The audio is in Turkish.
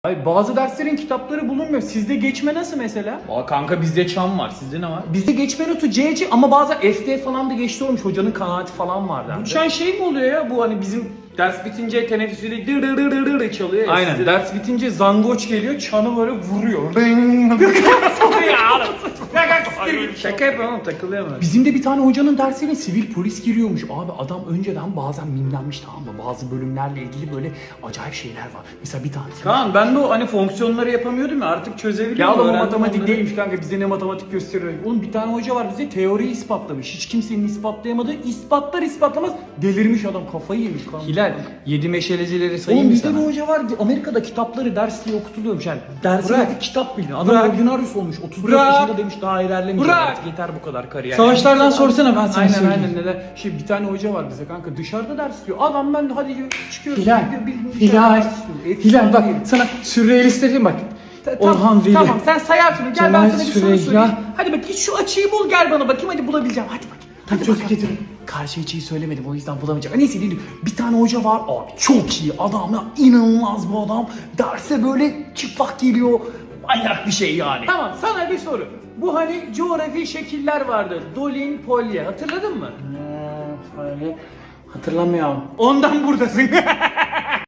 Hayır, bazı derslerin kitapları bulunmuyor. Sizde geçme nasıl mesela? Aa, kanka bizde çam var. Sizde ne var? Bizde geçme notu CC ama bazen FD falan da geçti olmuş. Hocanın kanaati falan vardı. Bu çan şey mi oluyor ya? Bu hani bizim ders bitince teneffüsüyle dır dır dır dır dır çalıyor ya. Aynen. Sizde- Ders bitince zangoç geliyor, çanı böyle vuruyor. Şaka yapıyorum oğlum, takılıyor mu? Bizim de bir tane hocanın dersine sivil polis giriyormuş. Abi adam önceden bazen mimlenmiş, tamam mı? Bazı bölümlerle ilgili böyle acayip şeyler var. Mesela bir tanesi. Kaan ben de o hani fonksiyonları yapamıyordum ya, artık çözebiliyorum. Ya oğlum o öğrendim matematik onları. değilmiş kanka, bize ne matematik gösteriyor. Oğlum bir tane hoca var bize teoriyi ispatlamış. Hiç kimsenin ispatlayamadığı, ispatlar ispatlamaz delirmiş adam, kafayı yemiş kanka. Hilal, 7 meşalecileri sayayım Oğlum mı bizde sana? bir hoca var Amerika'da kitapları ders diye okutuluyormuş yani. Dersine Bırak. bir kitap bilin. Adam Bırak. ordinaryus olmuş. 34 Bırak. yaşında demiş daha ilerlemeyeceğim Bırak. artık, yeter bu kadar kariyer. Savaşlardan sorsana, ben sana Aynen söyleyeyim. aynen neden. Şey bir tane hoca var bize kanka, dışarıda ders diyor. Adam ben hadi çıkıyoruz. Hilal, Hilal bak sana sürrealist dedim bak. Orhan Veli. Tamam sen sayarsın. Gel Cemal ben sana bir soru Süreyya. sorayım. Hadi bak git şu açıyı bul, gel bana bakayım, hadi bulabileceğim. Hadi bak. Hadi çözüp bakalım. getirin. Karşı açıyı söylemedim, o yüzden bulamayacağım. Neyse değil. Bir tane hoca var abi, çok iyi adam ya, inanılmaz bu adam. Derse böyle çıplak geliyor. Manyak bir şey yani. Tamam sana bir soru. Bu hani coğrafi şekiller vardı. Dolin, Polye, hatırladın mı? Hatırlamıyorum. Ondan buradasın.